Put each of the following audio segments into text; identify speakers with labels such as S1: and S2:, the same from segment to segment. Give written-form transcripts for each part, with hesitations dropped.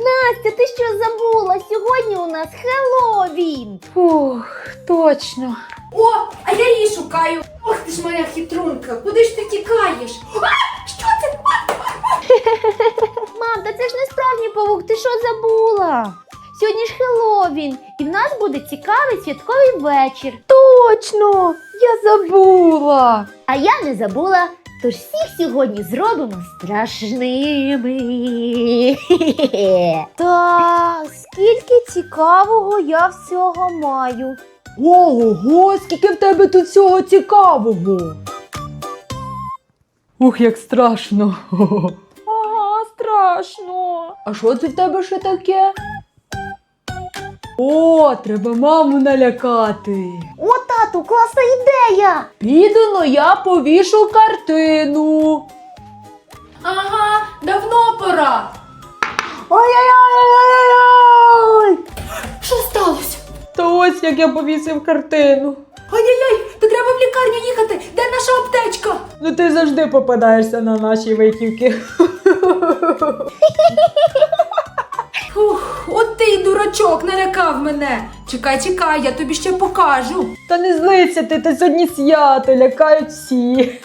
S1: Настя, ти що забула? Сьогодні у нас Хеллоуін.
S2: Фух, точно.
S3: О, а я її шукаю. Ох ти ж моя хитрунка, куди ж ти тікаєш? А, що це?
S1: Мам, та це ж не справжній павук, ти що забула? Сьогодні ж Хеллоуін, і в нас буде цікавий святковий вечір.
S2: Точно! Я забула.
S1: А я не забула, тож всіх сьогодні зробимо страшними.
S2: Та скільки цікавого я всього маю.
S4: Ого, скільки в тебе тут всього цікавого. Ух, як страшно.
S2: Ага, страшно.
S4: А що це в тебе ще таке? О, треба маму налякати.
S1: О, тату, класна ідея!
S4: Піду, но я повішу картину.
S3: Ага, давно пора.
S4: Ой-ой-ой-ой-ой!
S3: Що сталося?
S4: Та ось як я повісив картину.
S3: Ай-яй-яй, то треба в лікарню їхати. Де наша аптечка?
S4: Ну ти завжди попадаєшся на наші витівки.
S3: Ух, от ти й дурачок, налякав мене. Чекай, я тобі ще покажу.
S4: Та не злися ти, та сьогодні свято, лякають всі.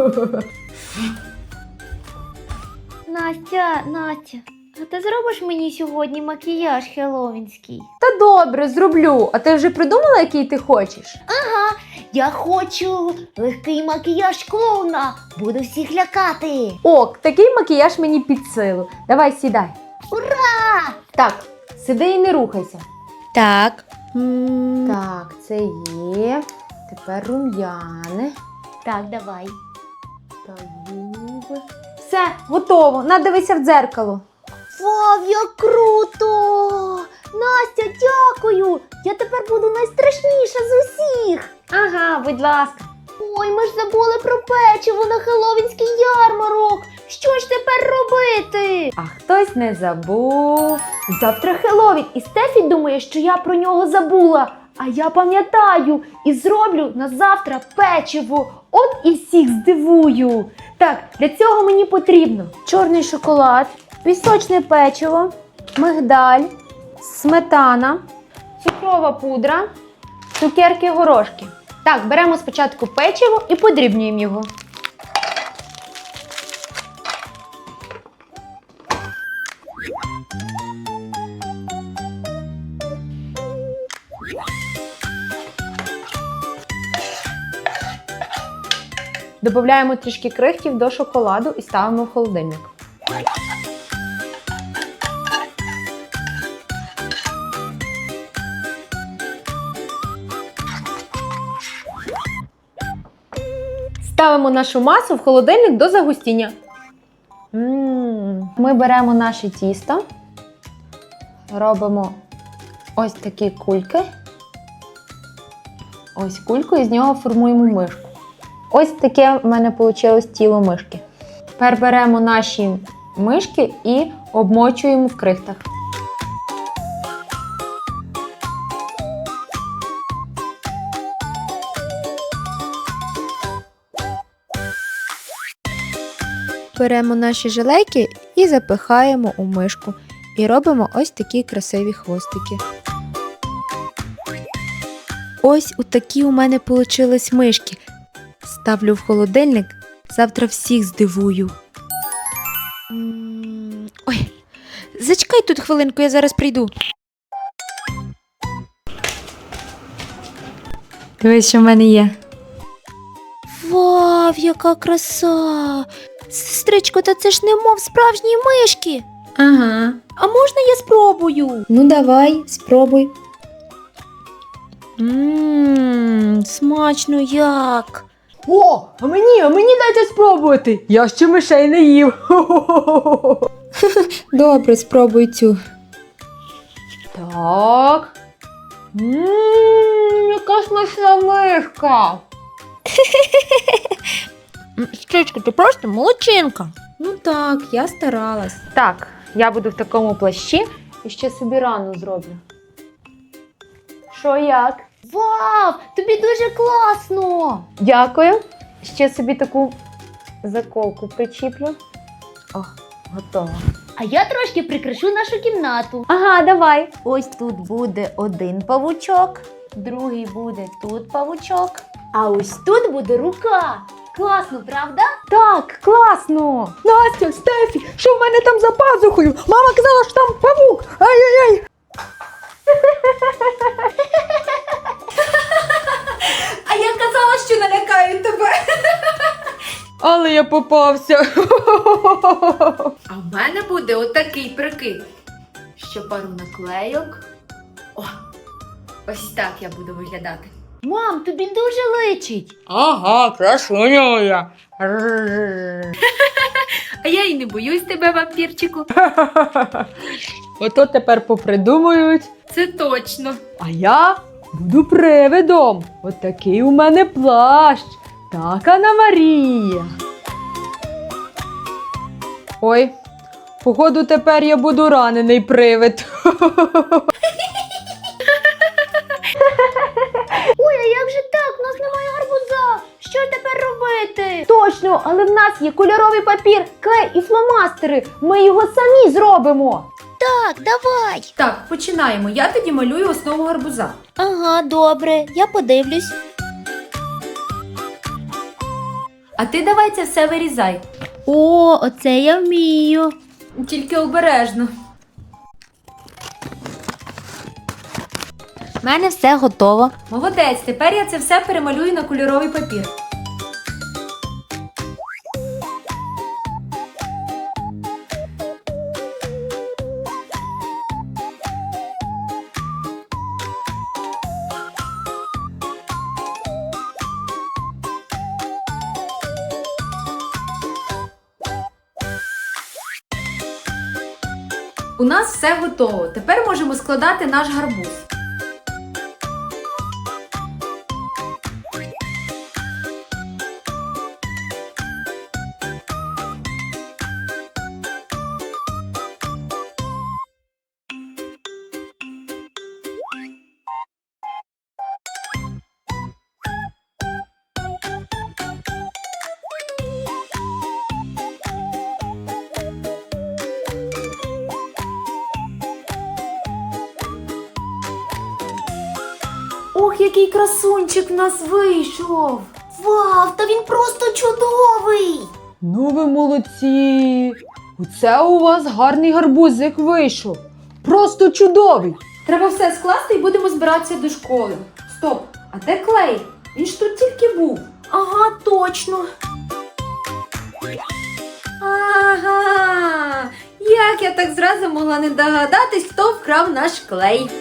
S1: Настя, а ти зробиш мені сьогодні макіяж хеллоуінський?
S2: Та добре, зроблю. А ти вже придумала, який ти хочеш?
S1: Я хочу легкий макіяж клоуна, буду всіх лякати.
S2: Ок, такий макіяж мені під силу. Давай, сідай.
S1: Ура!
S2: Так, сиди і не рухайся.
S1: Так.
S2: Так, це є. Тепер рум'яни.
S1: Так, давай.
S2: Та губи. Все, готово. Надивися в дзеркало.
S1: Вау, як круто! Настя, дякую! Я тепер буду найстрашніша з усіх!
S2: Ага, будь ласка.
S1: Ой, ми ж забули про печиво на хеллоуінський ярмарок! Що ж тепер робити?
S2: А хтось не забув.
S1: Завтра Хеллоуін, і Стефі думає, що я про нього забула. А я пам'ятаю і зроблю на завтра печиво. От і всіх здивую. Так, для цього мені потрібно
S2: Чорний шоколад, пісочне печиво, мигдаль, сметана, цукрова пудра, цукерки-горошки. Так, беремо спочатку печиво і подрібнюємо його. Додаємо трішки крихтів до шоколаду і ставимо в холодильник. Ставимо нашу масу в холодильник до загустіння. Ми беремо наше тісто, робимо ось такі кульки. Ось кульку і з нього формуємо мишку. Ось таке в мене вийшло тіло мишки. Тепер беремо наші мишки і обмочуємо в крихтах.
S5: Беремо наші жилейки і запихаємо у мишку. І робимо ось такі красиві хвостики. Ось такі у мене получились мишки. Ставлю в холодильник, завтра всіх здивую. Ой, зачекай тут хвилинку, я зараз прийду.
S2: Дивись, що в мене є.
S5: Вау, яка краса! Сестричко, та це ж немов справжні мишки.
S2: Ага.
S5: А можна я спробую?
S2: Ну давай, спробуй.
S5: Смачно як.
S4: О, а мені дайте спробувати. Я ще мишей не їв.
S5: Добре, спробуй цю.
S4: Так. Яка смачна мишка.
S5: Сестричко, ти просто молодчинка.
S2: Ну так, я старалась. Так, я буду в такому плащі і ще собі рану зроблю. Що як?
S1: Вау, тобі дуже класно!
S2: Дякую. Ще собі таку заколку причіплю. О, готово.
S1: А я трошки прикрашу нашу кімнату.
S2: Ага, давай.
S6: Ось тут буде один павучок, другий буде тут павучок.
S1: А ось тут буде рука. Класно, правда?
S2: Так, класно.
S4: Настя, Стефі, що в мене там за пазухою? Мама казала, що там павук. Ай-яй-яй.
S3: А я казала, що налякаю тебе.
S4: Але я попався.
S3: А в мене буде отакий прикид. Ще пару наклейок. О, ось так я буду виглядати.
S1: Мам, тобі дуже личить.
S4: Ага, красуня я.
S3: А я і не боюсь тебе, вампірчику.
S4: Ото тепер попридумують.
S3: Це точно.
S4: А я буду привидом. От такий у мене плащ. Так, Анна Марія. Ой, походу тепер я буду ранений привид.
S1: Ой, а як же так? У нас немає гарбуза. Що тепер робити? Точно, але в нас є кольоровий папір, клей і фломастери. Ми його самі зробимо.
S6: Так, давай.
S3: Так, починаємо. Я тоді малюю основу гарбуза.
S6: Ага, добре, я подивлюсь.
S3: А ти давай це все вирізай.
S6: О, оце я вмію.
S3: Тільки обережно.
S6: У мене все готово.
S3: Молодець, тепер я це все перемалюю на кольоровий папір. У нас все готово. Тепер можемо складати наш гарбуз. Ох, який красунчик в нас вийшов!
S6: Вау, та він просто чудовий!
S4: Ну ви молодці. Оце у вас гарний гарбузик вийшов. Просто чудовий.
S3: Треба все скласти і будемо збиратися до школи. Стоп, а де клей? Він ж тут тільки був.
S6: Ага, точно.
S3: Ага, як я так зразу могла не догадатись, хто вкрав наш клей.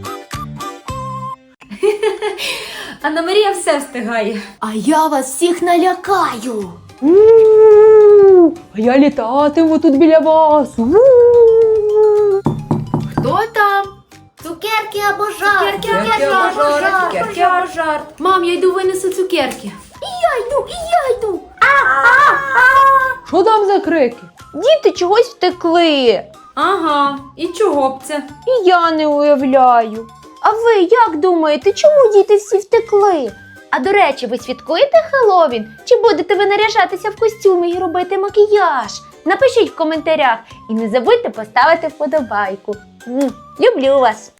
S3: Анна Марія все встигає.
S6: А я вас всіх налякаю.
S4: У-у-у. А я літатиму тут біля вас. У-у-у.
S3: Хто там?
S6: Цукерки або жарт.
S3: Цукерки або жарт. Мам, я йду винесу цукерки.
S6: Я йду.
S4: Що там за крики?
S2: Діти чогось втекли.
S3: Ага, і чого б це?
S2: І я не уявляю. А ви як думаєте, чому діти всі втекли?
S1: А до речі, ви святкуєте Хеллоуін? Чи будете ви наряжатися в костюми і робити макіяж? Напишіть в коментарях і не забудьте поставити вподобайку. Люблю вас!